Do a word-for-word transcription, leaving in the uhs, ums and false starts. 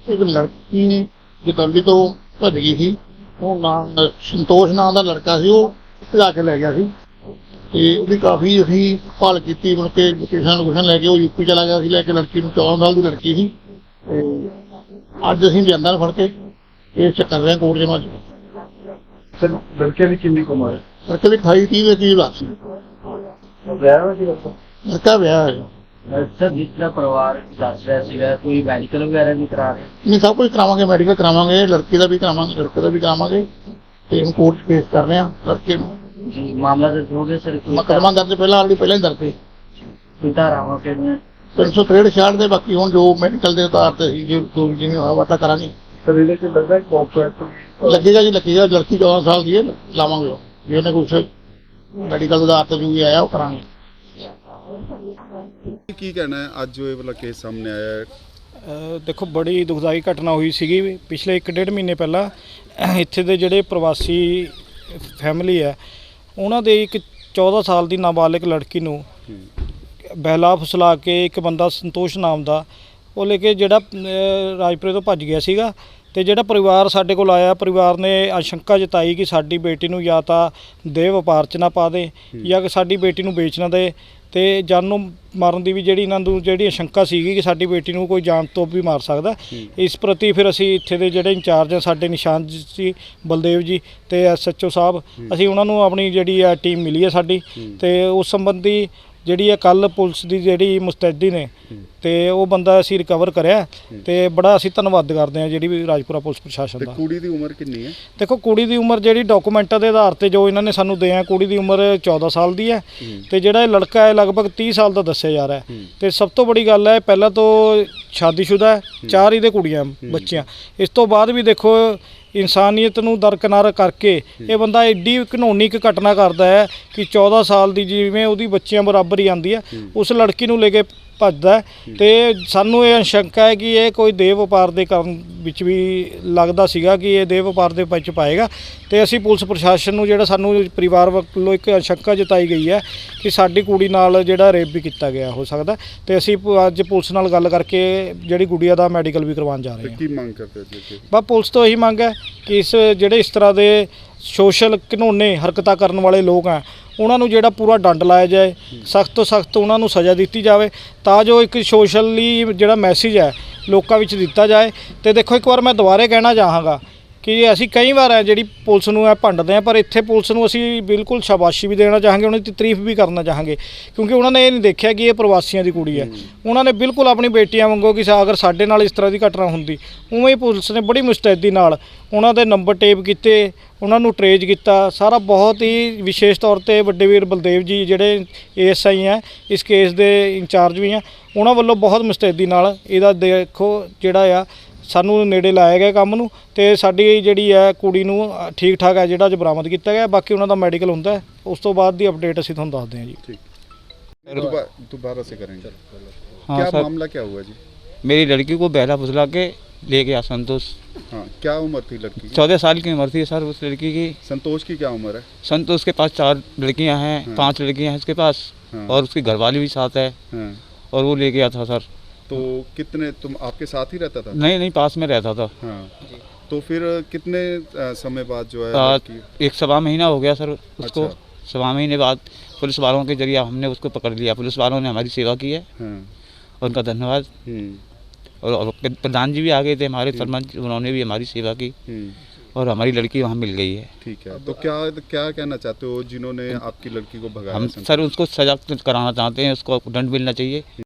एक लड़की जतौली तो भज गई थी। वो नाम संतोष नाम का लड़का सी, वो भजा के लै गया सी ते उसदी काफ़ी असीं भाल कीती। मुड़ के लोकेशन लोकेशन लैके वो यूपी चला गया सी, लैके लड़की नूं चौदह साल की लड़की सी। ते अज असीं लिआंदा फड़ के केस च कर रहे हैं कोर्ट जमा। सर लड़के की कितनी उम्र है? लड़के की अठाई तीह के करीब लाश सी। ब्याह हुआ सी लड़का? लड़का विआह है। सर जिस तरह परिवार दस रहा सीगा कोई मैडिकल वगैरह भी करा रहे? नहीं, सब कुछ करावांगे, मैडिकल करावांगे, लड़की का भी करावांगे, लड़के का भी करावांगे ते हुण कोर्ट पेश कर रहे हैं लड़के नूं। जी मामला दर्ज हो गया सर? कोई मुकदमा दर्ज पहला ऑलरेडी पहले ही दर्ज है कोई धारावां के तीन सौ त्रेहठ छियाठ दे। बाकी हुण जो मैडिकल के आधार पर जो जो जिवें होया वाटा करांगे। सर ये लग रहा है कॉन्ट्रैक्ट लगेगा जी, लगेगा। लड़की चौदह साल की है, लावांगे जे इन्हें कुछ मैडिकल के आधार पर जो भी आया वो करांगे। ਕੀ ਕਹਿਣਾ ਹੈ ਅੱਜ ਜੋ ਇਹ ਵਾਲਾ ਕੇਸ ਸਾਹਮਣੇ ਆਇਆ ਹੈ? ਅ, ਦੇਖੋ ਬੜੀ ਦੁਖਦਾਈ ਘਟਨਾ ਹੋਈ ਸੀਗੀ ਪਿਛਲੇ ਇੱਕ ਡੇਢ ਮਹੀਨੇ ਪਹਿਲਾਂ। ਇੱਥੇ ਦੇ ਜਿਹੜੇ ਪ੍ਰਵਾਸੀ ਫੈਮਿਲੀ ਹੈ ਉਹਨਾਂ ਦੇ ਇੱਕ ਚੌਦ੍ਹਾਂ ਸਾਲ ਦੀ ਨਾਬਾਲਿਗ ਲੜਕੀ ਨੂੰ ਬਹਿਲਾ ਫੁਸਲਾ ਕੇ ਇੱਕ ਬੰਦਾ ਸੰਤੋਸ਼ ਨਾਮ ਦਾ ਉਹ ਲੈ ਕੇ ਜਿਹੜਾ ਅ, ਰਾਜਪੁਰੇ ਤੋਂ ਭੱਜ ਗਿਆ ਸੀਗਾ। ਤੇ ਜਿਹੜਾ ਪਰਿਵਾਰ ਸਾਡੇ ਕੋਲ ਆਇਆ, ਪਰਿਵਾਰ ਨੇ ਆਸ਼ੰਕਾ ਜਤਾਈ ਕਿ ਸਾਡੀ ਬੇਟੀ ਨੂੰ ਜਾਂ ਤਾਂ ਦੇਹ ਵਪਾਰ 'ਚ ਨਾ ਪਾ ਦੇ ਜਾਂ ਕਿ ਸਾਡੀ ਬੇਟੀ ਨੂੰ ਵੇਚ ਨਾ ਦੇ ਤੇ ਜਾਨੋਂ ਮਾਰਨ ਦੀ ਵੀ ਜਿਹੜੀ ਇਹਨਾਂ ਨੂੰ ਜਿਹੜੀ ਆਸ਼ੰਕਾ ਸੀਗੀ ਕਿ ਸਾਡੀ ਬੇਟੀ ਨੂੰ ਕੋਈ ਜਾਨ ਤੋਂ ਵੀ ਮਾਰ ਸਕਦਾ। ਇਸ ਪ੍ਰਤੀ ਫਿਰ ਅਸੀਂ ਇੱਥੇ ਦੇ ਜਿਹੜੇ ਇੰਚਾਰਜ ਆ ਸਾਡੇ ਨਿਸ਼ਾਨ ਜੀ ਬਲਦੇਵ ਜੀ ਤੇ ਐਸ ਐਚ ਓ ਸਾਹਿਬ, ਅਸੀਂ ਉਹਨਾਂ ਨੂੰ ਆਪਣੀ ਜਿਹੜੀ ਆ ਟੀਮ ਮਿਲੀ ਹੈ ਸਾਡੀ ਤੇ ਉਸ ਸੰਬੰਧੀ ਜਿਹੜੀ ਆ ਕੱਲ ਪੁਲਿਸ ਦੀ ਜਿਹੜੀ ਮੁਸਤੈਦੀ ਨੇ ਤੇ ਉਹ ਬੰਦਾ ਅਸੀਂ ਰਿਕਵਰ ਕਰਿਆ ਤੇ ਬੜਾ ਅਸੀਂ ਧੰਨਵਾਦ ਕਰਦੇ ਹਾਂ ਜਿਹੜੀ ਵੀ ਰਾਜਪੁਰਾ ਪੁਲਿਸ ਪ੍ਰਸ਼ਾਸਨ ਤੇ ਦਾ। ਕੁੜੀ ਦੀ ਉਮਰ ਕਿੰਨੀ ਹੈ? ਦੇਖੋ ਕੁੜੀ ਦੀ ਉਮਰ ਜਿਹੜੀ ਡਾਕੂਮੈਂਟਾਂ ਦੇ ਆਧਾਰ ਤੇ ਜੋ ਇਹਨਾਂ ਨੇ ਸਾਨੂੰ ਦੇ ਆ, ਕੁੜੀ ਦੀ ਉਮਰ ਚੌਦ੍ਹਾਂ ਸਾਲ ਦੀ ਹੈ ਤੇ ਜਿਹੜਾ ਇਹ ਲੜਕਾ ਹੈ ਲਗਭਗ ਤੀਹ ਸਾਲ ਦਾ ਦੱਸਿਆ ਜਾ ਰਿਹਾ ਹੈ। ਤੇ ਸਭ ਤੋਂ ਬੜੀ ਗੱਲ ਹੈ ਪਹਿਲਾਂ ਤੋਂ ਸ਼ਾਦੀशुदा ਹੈ, ਚਾਰ ਇਹਦੇ ਕੁੜੀਆਂ ਬੱਚੀਆਂ। ਇਸ ਤੋਂ ਬਾਅਦ ਵੀ ਦੇਖੋ ਇਨਸਾਨੀਅਤ ਨੂੰ ਦਰਕਿਨਾਰ ਕਰਕੇ ਇਹ ਬੰਦਾ ਐਡੀ ਘਿਨੌਣੀ ਇੱਕ ਘਟਨਾ ਕਰਦਾ ਹੈ ਕਿ ਚੌਦ੍ਹਾਂ ਸਾਲ ਦੀ ਜਿਵੇਂ ਉਹਦੀ ਬੱਚੀਆਂ ਬਰਾਬਰ ਹੀ ਆਉਂਦੀ ਹੈ ਉਸ ਲੜਕੀ ਨੂੰ ਲੈ ਕੇ ਭੱਜਦਾ ਹੈ। ਤੇ ਸਾਨੂੰ ਇਹ ਆਸ਼ੰਕਾ ਹੈ ਕਿ ਇਹ ਕੋਈ ਦੇਹ ਵਪਾਰ ਦੇ ਕਰਨ ਵਿੱਚ ਵੀ ਲੱਗਦਾ ਸੀਗਾ ਕਿ ਇਹ ਦੇਹ ਵਪਾਰ ਦੇ ਵਿੱਚ ਪਾਏਗਾ। ਤੇ ਅਸੀਂ ਪੁਲਿਸ ਪ੍ਰਸ਼ਾਸਨ ਨੂੰ ਜਿਹੜਾ ਸਾਨੂੰ ਪਰਿਵਾਰ ਵੱਲੋਂ ਇੱਕ ਆਸ਼ੰਕਾ ਜਤਾਈ ਗਈ ਹੈ ਕਿ ਸਾਡੀ ਕੁੜੀ ਨਾਲ ਜਿਹੜਾ ਰੇਪ ਵੀ ਕੀਤਾ ਗਿਆ ਹੋ ਸਕਦਾ ਤੇ ਅਸੀਂ ਅੱਜ ਪੁਲਿਸ ਨਾਲ ਗੱਲ ਕਰਕੇ ਜਿਹੜੀ ਗੁੜੀਆ ਦਾ ਮੈਡੀਕਲ ਵੀ ਕਰਵਾਉਣ ਜਾ ਰਹੇ ਹਾਂ। ਕੀ ਮੰਗ ਕਰਦੇ ਹੋ ਜੀ? ਬਸ ਪੁਲਿਸ ਤੋਂ ਇਹੀ ਮੰਗ ਹੈ ਕਿ ਇਸ ਜਿਹੜੇ ਇਸ ਤਰ੍ਹਾਂ ਦੇ ਸੋਸ਼ਲ ਘਿਨੌਣੇ ਹਰਕਤਾਂ ਕਰਨ ਵਾਲੇ ਲੋਕ ਆ ਉਹਨਾਂ ਨੂੰ ਜਿਹੜਾ ਪੂਰਾ ਡੰਡ ਲਾਇਆ ਜਾਏ, ਸਖਤ ਤੋਂ ਸਖਤ ਉਹਨਾਂ ਨੂੰ ਸਜ਼ਾ ਦਿੱਤੀ ਜਾਵੇ ਤਾਂ ਜੋ ਇੱਕ ਸੋਸ਼ਲੀ ਜਿਹੜਾ ਮੈਸੇਜ ਹੈ ਲੋਕਾਂ ਵਿੱਚ ਦਿੱਤਾ ਜਾਏ। ਤੇ ਦੇਖੋ ਇੱਕ ਵਾਰ ਮੈਂ ਦੁਬਾਰੇ ਕਹਿਣਾ ਚਾਹਾਂਗਾ ਕਿ ਅਸੀਂ ਕਈ ਵਾਰ ਹੈ ਜਿਹੜੀ ਪੁਲਿਸ ਨੂੰ ਇਹ ਭੰਡਦੇ ਹਾਂ, ਪਰ ਇੱਥੇ ਪੁਲਿਸ ਨੂੰ ਅਸੀਂ ਬਿਲਕੁਲ ਸ਼ਾਬਾਸ਼ੀ ਵੀ ਦੇਣਾ ਚਾਹਾਂਗੇ, ਉਹਨਾਂ ਦੀ ਤਾਰੀਫ ਵੀ ਕਰਨਾ ਚਾਹਾਂਗੇ ਕਿਉਂਕਿ ਉਹਨਾਂ ਨੇ ਇਹ ਨਹੀਂ ਦੇਖਿਆ ਕਿ ਇਹ ਪ੍ਰਵਾਸੀਆਂ ਦੀ ਕੁੜੀ ਹੈ। ਉਹਨਾਂ ਨੇ ਬਿਲਕੁਲ ਆਪਣੀ ਬੇਟੀਆਂ ਵਾਂਗੂ ਕਿ ਅਗਰ ਸਾਡੇ ਨਾਲ ਇਸ ਤਰ੍ਹਾਂ ਦੀ ਘਟਨਾ ਹੁੰਦੀ ਉਵੇਂ ਹੀ ਪੁਲਿਸ ਨੇ ਬੜੀ ਮੁਸਤੈਦੀ ਨਾਲ ਉਹਨਾਂ ਦੇ ਨੰਬਰ ਟੇਪ ਕੀਤੇ, ਉਹਨਾਂ ਨੂੰ ਟਰੇਜ ਕੀਤਾ ਸਾਰਾ। ਬਹੁਤ ਹੀ ਵਿਸ਼ੇਸ਼ ਤੌਰ ਤੇ ਵੱਡੇ ਵੀਰ ਬਲਦੇਵ ਜੀ ਜਿਹੜੇ ਏ ਐਸ ਆਈ ਹੈ ਇਸ ਕੇਸ ਦੇ ਇੰਚਾਰਜ ਵੀ ਆ, ਉਹਨਾਂ ਵੱਲੋਂ ਬਹੁਤ ਮੁਸਤੈਦੀ ਨਾਲ ਇਹਦਾ ਦੇਖੋ ਜਿਹੜਾ ਆ ਸਾਨੂੰ ਨੇੜੇ ਲਾਇਆ ਗਿਆ ਕੰਮ ਨੂੰ ਤੇ ਸਾਡੀ ਜਿਹੜੀ ਹੈ ਕੁੜੀ ਨੂੰ ਠੀਕ ਠਾਕ ਹੈ ਜਿਹੜਾ ਅੱਜ ਬਰਾਮਦ ਕੀਤਾ ਗਿਆ। ਬਾਕੀ ਉਹਨਾਂ ਦਾ ਮੈਡੀਕਲ ਹੁੰਦਾ ਹੈ, ਉਸ ਤੋਂ ਬਾਅਦ ਦੀ ਅਪਡੇਟ ਅਸੀਂ ਤੁਹਾਨੂੰ ਦੱਸਦੇ ਹਾਂ ਜੀ। ठीक, दोबा- दोबारा से करेंगे। हाँ क्या सर, मामला क्या हुआ जी? मेरी लड़की को बहला फुसला के ले गया संतोष। हाँ, क्या उम्र थी लड़की की? चौदह साल की उम्र थी सर उस लड़की की। संतोष की क्या उम्र है? संतोष के पास चार लड़कियां हैं, हाँ। पांच लड़कियां हैं उसके पास हाँ। और उसकी घरवाली भी साथ है हाँ। और वो ले गया था सर। तो कितने तुम आपके साथ ही रहता था? नहीं नहीं पास में रहता था। हाँ। तो फिर कितने अ, समय बाद जो है आ, लड़की? एक सवा महीना हो गया सर उसको। अच्छा। सवा महीने बाद पुलिस वालों के जरिए हमने उसको पकड़ लिया। पुलिस वालों ने हमारी सेवा की है, हाँ। उनका धन्यवाद। हम्म, और और प्रधान जी भी आ गए थे हमारे सरपंच, उन्होंने भी हमारी सेवा की हम्म। और हमारी लड़की वहाँ मिल गई है। ठीक है। तो क्या क्या कहना चाहते हो जिन्होंने आपकी लड़की को भगाया? हम संतोष? सर उसको सजा कराना चाहते हैं, उसको दंड मिलना चाहिए।